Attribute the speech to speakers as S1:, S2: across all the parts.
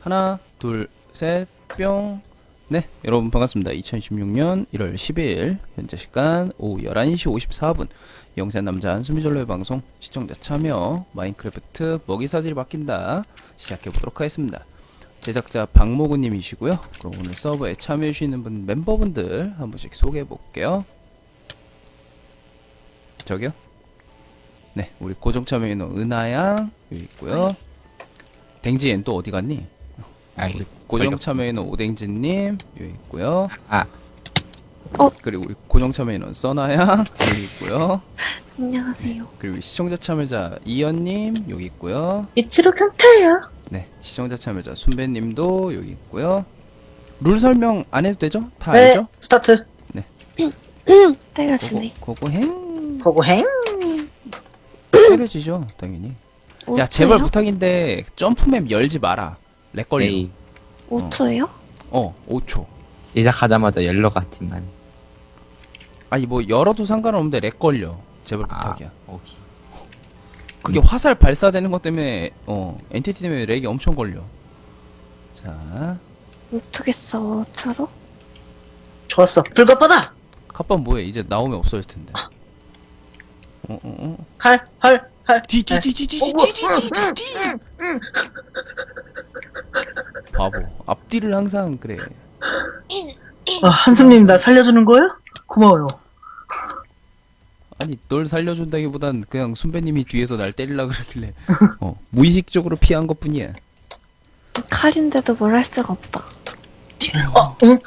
S1: 하나, 둘, 셋, 뿅. 네, 여러분 반갑습니다. 2016년 1월 10일 현재 시간 오후 11시 54분 영세 남자 한수미절로의 방송 시청자 참여 마인크래프트 먹이사슬이 바뀐다 시작해보도록 하겠습니다. 제작자 박모구님이시고요. 그럼 오늘 서버에 참여해주시는 분 멤버분들 한 분씩 소개해볼게요. 저기요? 네, 우리 고정 참여인은 은하양 여기 있고요. 댕지엔 또 어디 갔니? 우리 고정 참여인은 오댕진님 여기 있고요. 그리고 우리 고정 참여인은 써나양 여기 있고요.
S2: 안녕하세요.
S1: 그리고 시청자 참여자 이연님 여기 있고요.
S2: 이치로 강타예요.
S1: 네, 시청자 참여자 순배님도 여기 있고요. 룰 설명 안 해도 되죠? 다
S3: 네,
S1: 알죠?
S3: 스타트.
S2: 때려치네.
S1: 고고행
S3: 고고행.
S1: 때려지죠 당연히. 야
S2: 5초요?
S1: 제발 부탁인데 점프맵 열지 마라. 렉 걸려.
S4: 에이,
S2: 5초요?
S1: 5초.
S4: 시작하자마자 열러 같지만.
S1: 아니 뭐 열어도 상관없는데 렉 걸려. 제발 부탁이야.
S4: 오케이.
S1: 그게 화살 발사되는 것 때문에 엔티티 때문에 렉이 엄청 걸려. 자,
S2: 못하겠어. 5초로?
S3: 좋았어. 불가빠다.
S1: 카판 뭐해? 이제 나오면 없어질 텐데.
S3: 칼.
S1: 뒤뒤뒤뒤뒤뒤뒤뒤 바보. 앞뒤를 항상 그래.
S3: 한숨님 나 살려주는 거예요? 고마워요.
S1: 아니 널 살려준다기보단 그냥 순배님이 뒤에서 날 때리려 그러길래 무의식적으로 피한 것뿐이야.
S2: 칼인데도 뭘 할 수가 없다.
S3: 응.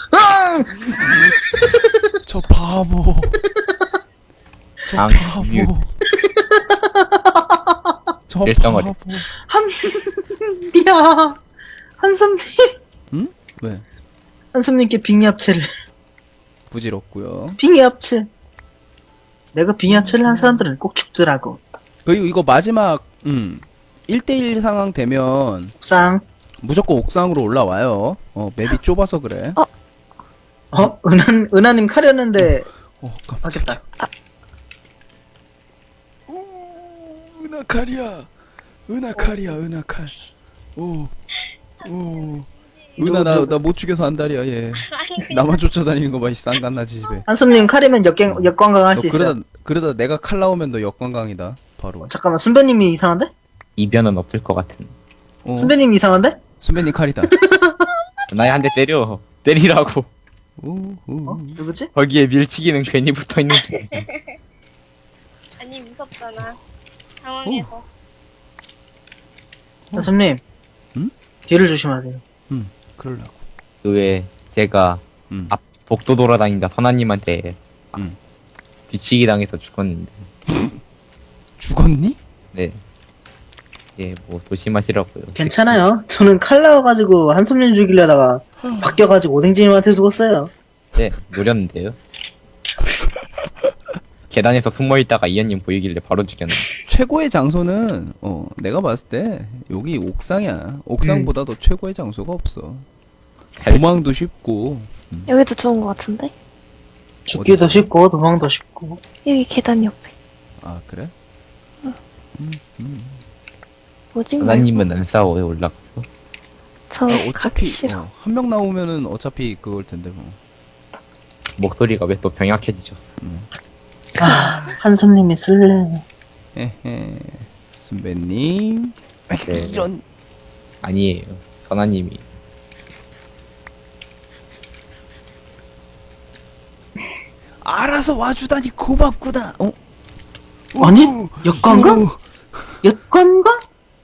S1: 저 바보. 저
S4: 아,
S1: 바보.
S4: 뮤.
S1: 저
S4: 일정거리.
S1: 바보.
S3: 야, 한숨님.
S1: 응? 왜?
S3: 한숨님께 빙의 합체를.
S1: 부질없고요.
S3: 빙의 합체. 내가 빙의 합체를 한 사람들은 꼭 죽더라고.
S1: 그리고 이거 마지막 1대1 상황 되면
S3: 옥상.
S1: 무조건 옥상으로 올라와요. 맵이 좁아서 그래.
S3: 은하님 칼이었는데
S1: 깜짝이야.
S3: 하겠다.
S1: 은하칼이야. 은하칼이야. 은하칼. 은하 나 못 죽여서 안달이야 얘. 나만 쫓아다니는 거 봐. 이 쌍간나지 집에.
S3: 한숨님 칼이면 역관광 할 수
S1: 너
S3: 있어요.
S1: 그러다 내가 칼 나오면 너 역관광이다. 바로.
S3: 잠깐만, 순배님이 이상한데?
S4: 이변은 없을 것 같은.
S3: 순배님이 이상한데?
S1: 순배님 칼이다.
S4: 나야 한 대 때려. 때리라고.
S3: 누구지?
S4: 거기에 밀치기는 괜히 붙어 있는 게.
S5: 아니 무섭잖아 상황에서.
S3: 한숨님.
S1: 응?
S3: 뒤를 조심하세요.
S1: 그러려고.
S4: 그 외에 제가 앞 복도 돌아다니다 선아님한테 뒤치기 당해서 죽었는데.
S1: 죽었니?
S4: 네. 예, 뭐 조심하시라고요.
S3: 괜찮아요. 저는 칼 나와가지고 한숨님 죽이려다가 바뀌어가지고 오뎅지님한테 죽었어요.
S4: 네, 노렸는데요. 계단에서 숨어있다가 이현님 보이길래 바로 죽였네.
S1: 최고의 장소는 내가 봤을 때 여기 옥상이야. 옥상보다도 최고의 장소가 없어. 도망도 쉽고.
S2: 여기도 좋은 것 같은데?
S3: 죽기도 쉽고 도망도 쉽고.
S2: 여기 계단 옆에.
S1: 아 그래?
S2: 뭐지?
S4: 선아님은 안 싸워요, 올라가서.
S2: 저
S1: 어차피
S2: 가기 싫어.
S1: 한 명 나오면은 어차피 그걸 텐데 뭐.
S4: 목소리가 왜 또 병약해지죠?
S3: 한숨님이 술래.
S1: 에헤. 순배님.
S4: 네.
S1: 이런.
S4: 아니에요. 선아님이.
S1: 알아서 와주다니 고맙구나.
S3: 아니? 역관광? 역관광?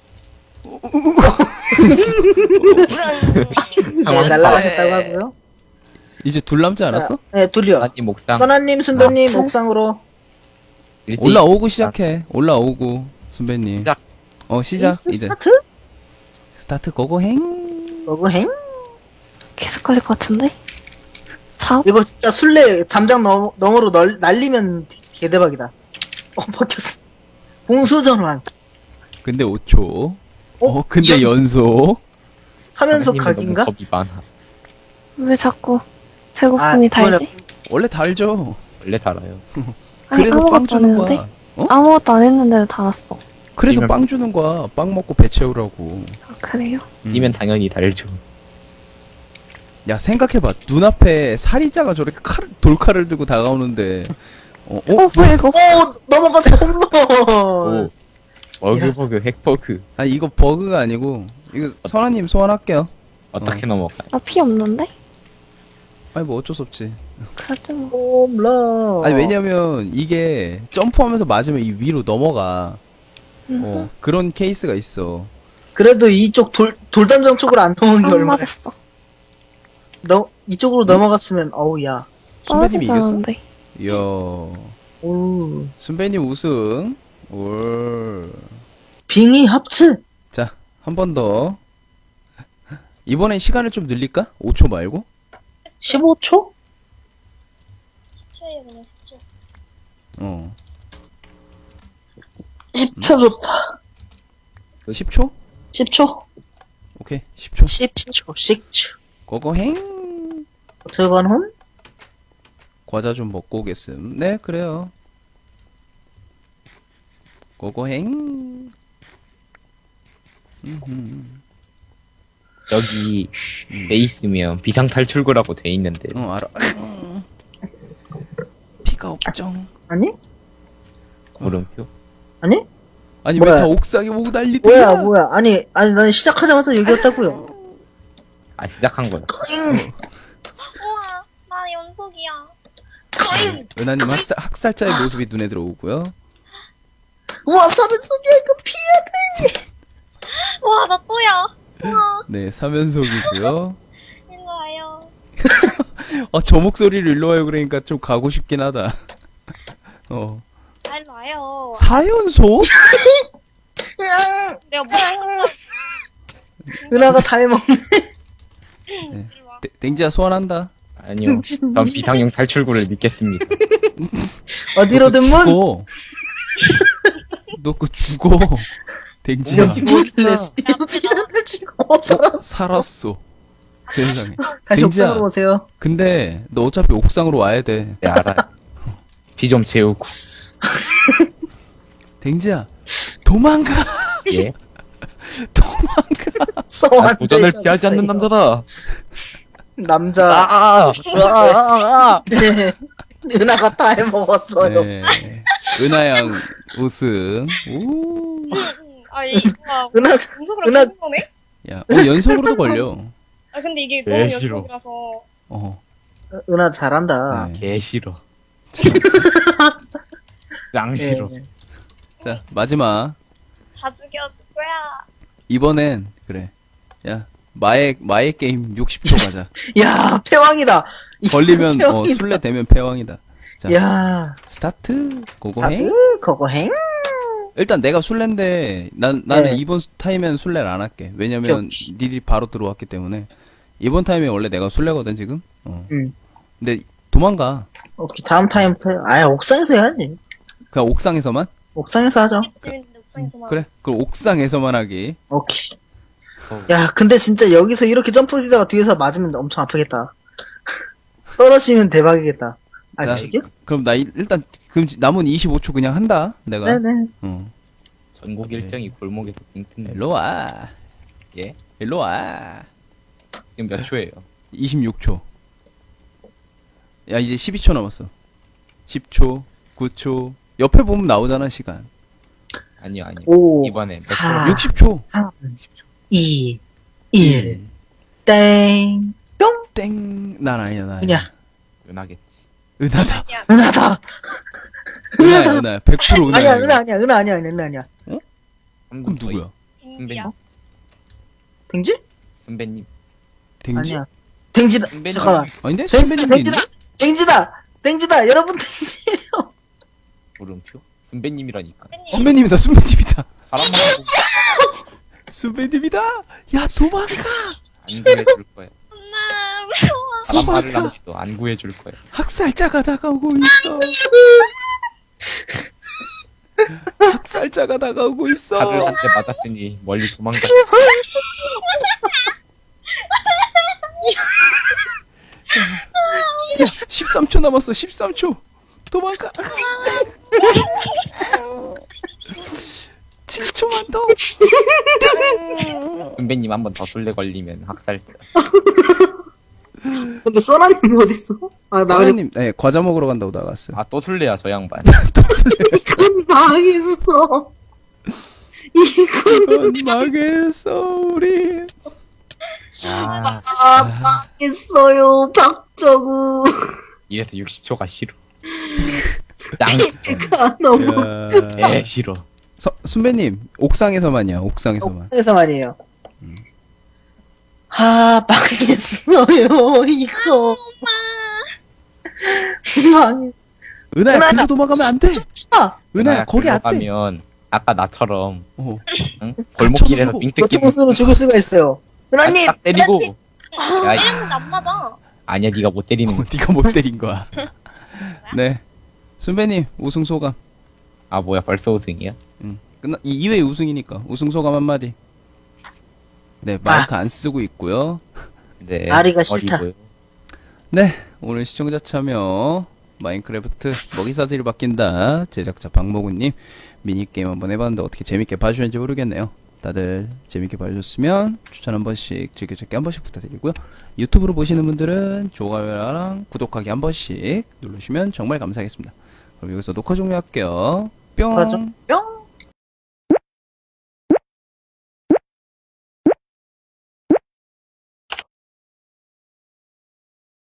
S3: 네, 날라가셨다고 하고요.
S1: 이제 둘 남지 않았어?
S3: 네, 둘이요.
S4: 선아님 옥상.
S3: 써나님, 순배님,
S2: 아,
S3: 옥상으로.
S1: 올라오고 시작해. 올라오고 순배님.
S4: 시작.
S1: 시작.
S3: 인스
S1: 이제
S3: 스타트?
S1: 스타트 고고행.
S3: 어그행?
S2: 계속 걸릴 것 같은데? 4?
S3: 이거 진짜 술래 담장 너머로 날리면 개대박이다. 바뀌었어. 공수전환.
S1: 근데 5초. 근데
S3: 연-
S1: 연속.
S3: 3연속
S4: 선아님은
S3: 각인가?
S4: 너무 겁이 많아.
S2: 왜 자꾸 배고픔이 달지?
S1: 원래 달죠.
S4: 원래 달아요.
S2: 아니
S1: 그래서 빵
S2: 아무것도 안
S1: 주는
S2: 했는데?
S1: 거야.
S2: 아무것도 안 했는데도 달았어.
S1: 그래서
S4: 이면-
S1: 빵 주는 거야. 빵 먹고 배 채우라고.
S2: 아, 그래요?
S4: 이면 당연히 달죠.
S1: 야 생각해봐. 눈앞에 살인자가 저렇게 돌칼을 들고 다가오는데
S2: 뭐야, 이거?
S3: 오 넘어갔어 홈런.
S4: 오. 버그 핵버그.
S1: 아니 이거 버그가 아니고 이거 선아님 소환할게요.
S4: 어떻게 넘어가?
S2: 나 피 없는데?
S1: 아니 뭐 어쩔 수 없지.
S2: 그래도 뭐.
S3: 홈런.
S1: 아니 왜냐면 이게 점프하면서 맞으면 이 위로 넘어가. 그런 케이스가 있어.
S3: 그래도 이쪽 돌담장 쪽으로 안 넘어간 게
S2: 안
S3: 얼마나.
S2: 맞았어.
S3: 너 이쪽으로 넘어갔으면 어우야.
S1: 순배님이 이겼어?
S2: 떨어지자는데.
S1: 이야.
S3: 오.
S1: 순배님 우승. 올.
S3: 빙의 합체.
S1: 자, 한 번 더. 이번엔 시간을 좀 늘릴까? 5초 말고?
S3: 15초?
S5: 10초에 그냥 10초.
S1: 어.
S3: 10초 좋다.
S1: 10초?
S3: 10초?
S1: 오케이, 10초.
S3: 10초. 10초.
S1: 고고행.
S3: 어떻게 반 홈?
S1: 과자 좀 먹고 오겠음. 네, 그래요. 고고행.
S4: 여기 돼 있으면 비상 탈출구라고 돼 있는데
S1: 알아. 피가 없정.
S3: 아니?
S4: 물음표.
S3: 아니?
S1: 아니,
S3: 뭐야?
S1: 왜 다 옥상에 오고 난리들이야?
S3: 뭐야 뭐야. 아니 나는 시작하자마자 여기였다고요.
S4: 아 시작한 거야.
S5: 우와, 나 연속이야.
S1: 은하님 학살자의 모습이 눈에 들어오고요.
S3: 우와 3연속이야 이거 피해.
S5: 와, 나 또야. 우와,
S1: 네, 3연속이고요.
S5: 일로 와요.
S1: 저 목소리를 일로 와요 그러니까 좀 가고 싶긴 하다.
S5: 아, 일로 와요.
S1: 4연속?
S5: 내가 뭐 했어?
S3: 은하가 다 해먹네.
S5: 일로 와.
S1: 댕지야 소환한다.
S4: 아니요. 전 비상용 탈출구를 믿겠습니다.
S3: 어디로든 문.
S1: 죽어. 너 그거 죽어. 댕지야.
S3: 뭐길래 비상을 치고 살았어.
S1: 살았어. 세상에.
S3: 다시
S1: 댕지야.
S3: 옥상으로 오세요.
S1: 근데 너 어차피 옥상으로 와야 돼.
S4: 네 알아요. 비 좀 채우고.
S1: 댕지야. 도망가.
S4: 예.
S1: 도망가.
S4: 나
S3: 써왔대.
S4: 도전을 피하지 않는 남자다.
S3: 남자.
S4: 아.
S3: 네. 은하가 다 해먹었어요.
S1: 네. 은하양 우승. 오.
S5: 아, 이, 와,
S3: 은하
S5: 연속으로
S3: 은하-
S5: 계속 거네?
S1: 야, 연속으로도 걸려.
S5: 아, 근데 이게
S4: 개
S5: 너무
S4: 싫어.
S5: 연속이라서.
S1: 어.
S3: 은하 잘한다.
S1: 네.
S4: 개 싫어. 짱 싫어.
S3: 네.
S1: 자, 마지막.
S5: 다 죽여줄 거야.
S1: 이번엔 그래. 야, 마의 게임 60초 가자.
S3: 야 패왕이다.
S1: 걸리면
S3: 패왕이다.
S1: 술래 되면 패왕이다. 자,
S3: 야
S1: 스타트. 고고행.
S3: 스타트 거거행.
S1: 일단 내가 술래인데 나는
S3: 네.
S1: 이번 타임엔 술래를 안 할게. 왜냐면 니들이 바로 들어왔기 때문에. 이번 타임에 원래 내가 술래거든 지금. 근데 도망가.
S3: 오케이 다음 타임부터 아예 옥상에서 해야지.
S1: 그냥 옥상에서만.
S3: 옥상에서 하죠.
S5: 재밌는데 옥상에서만.
S1: 그래. 그럼 옥상에서만 하기.
S3: 오케이. 야 근데 진짜 여기서 이렇게 점프 뛰다가 뒤에서 맞으면 엄청 아프겠다. 떨어지면 대박이겠다. 아
S1: 자,
S3: 저기요?
S1: 그럼 나 일단 그럼 남은 25초 그냥 한다. 내가.
S3: 네네.
S4: 전국 일정이 골목에서 띵뜬네.
S1: 일로 와.
S4: 예?
S1: 일로 와.
S4: 지금 몇 초예요?
S1: 26초. 야, 이제 12초 남았어. 10초, 9초. 옆에 보면 나오잖아, 시간.
S4: 아니요.
S3: 5
S4: 이번엔 몇
S3: 4
S1: 60초.
S3: 2 1 땡. 뿅.
S1: 땡. 난 아니야, 나.
S3: 그냥
S4: 은하겠지.
S1: 은하다.
S5: 야,
S3: 은하다.
S1: 은하야, 은하야. 100% 은하야.
S3: 아니야
S1: 이거.
S3: 은하 아니야 은하 아니야 은하 아니야.
S1: 그럼 누구야?
S5: 댕기야.
S3: 댕지?
S4: 선배님.
S1: 댕지?
S3: 아니야. 댕지다.
S4: 선배님.
S3: 잠깐만.
S1: 아닌데?
S3: 댕지다.
S1: 선배님도
S3: 댕지다.
S1: 있는데?
S3: 댕지다. 댕지다. 여러분 댕지예요.
S4: 물음표? 선배님이라니까.
S1: 선배님이다, 선배님이다.
S4: 사람만 보고
S1: 선배님이다. 야, 도망가.
S4: 안 구해줄 거야.
S5: 엄마, 무서워.
S4: 사람 말을 남기도 안 구해줄 거야.
S1: 학살자가 다가오고 있어. 학살자가 다가오고 있어.
S4: 칼을 한 대 맞았으니 멀리 도망가.
S1: 13초 남았어. 13초. 도망가. 7초만 더.
S4: 은배님 한 번 더 술래 걸리면 학살.
S3: 근데 써라님 어딨어? 아, 나 그냥
S1: 사장님, 네, 과자 먹으러 간다고 나갔어요.
S4: 아 또 술래야 저 양반.
S3: 이건 망했어. 이건
S1: 이건 망했어, 우리.
S4: 아
S3: 망했어요, 박정우.
S4: 이래서 60초가 싫어. 짱.
S3: 내가 너무
S1: 야.
S4: 싫어.
S1: 순배님, 옥상에서만이야, 옥상에서만.
S3: 해서 말이에요. 아, 망했어요, 이거. 망.
S1: 은하야,
S3: 은하야.
S1: 그저 도망가면 안 돼.
S3: 아,
S1: 은하야, 거기 안 돼.
S4: 가면 아까 나처럼
S1: 어.
S4: 응? 골목길에서
S1: 쳐서
S4: 빙뜯기
S3: 교통수로 죽을 수가 있어요. 은하님!
S4: 딱 때리고. 야,
S5: 때렸는데 안 맞아.
S4: 아니야 네가 못 때리는 거.
S1: 네가 못 때린 거야. 네. 순배님, 우승 소감.
S4: 아 뭐야 벌써 우승이야?
S1: 끝나, 2회 우승이니까. 우승 소감 한마디. 네, 마이크 안 쓰고 있고요.
S4: 네.
S3: 아리가 싫다.
S4: 어리고요.
S1: 네, 오늘 시청자 참여 마인크래프트 먹이사슬이 바뀐다 제작자 박모구님 미니게임 한번 해봤는데 어떻게 재밌게 봐주셨는지 모르겠네요. 다들 재밌게 봐주셨으면 추천 한 번씩 즐겨찾기 한 번씩 부탁드리고요. 유튜브로 보시는 분들은 좋아요랑 구독하기 한 번씩 누르시면 정말 감사하겠습니다. 그럼 여기서 녹화 종료할게요. 뿅.
S3: 뿅!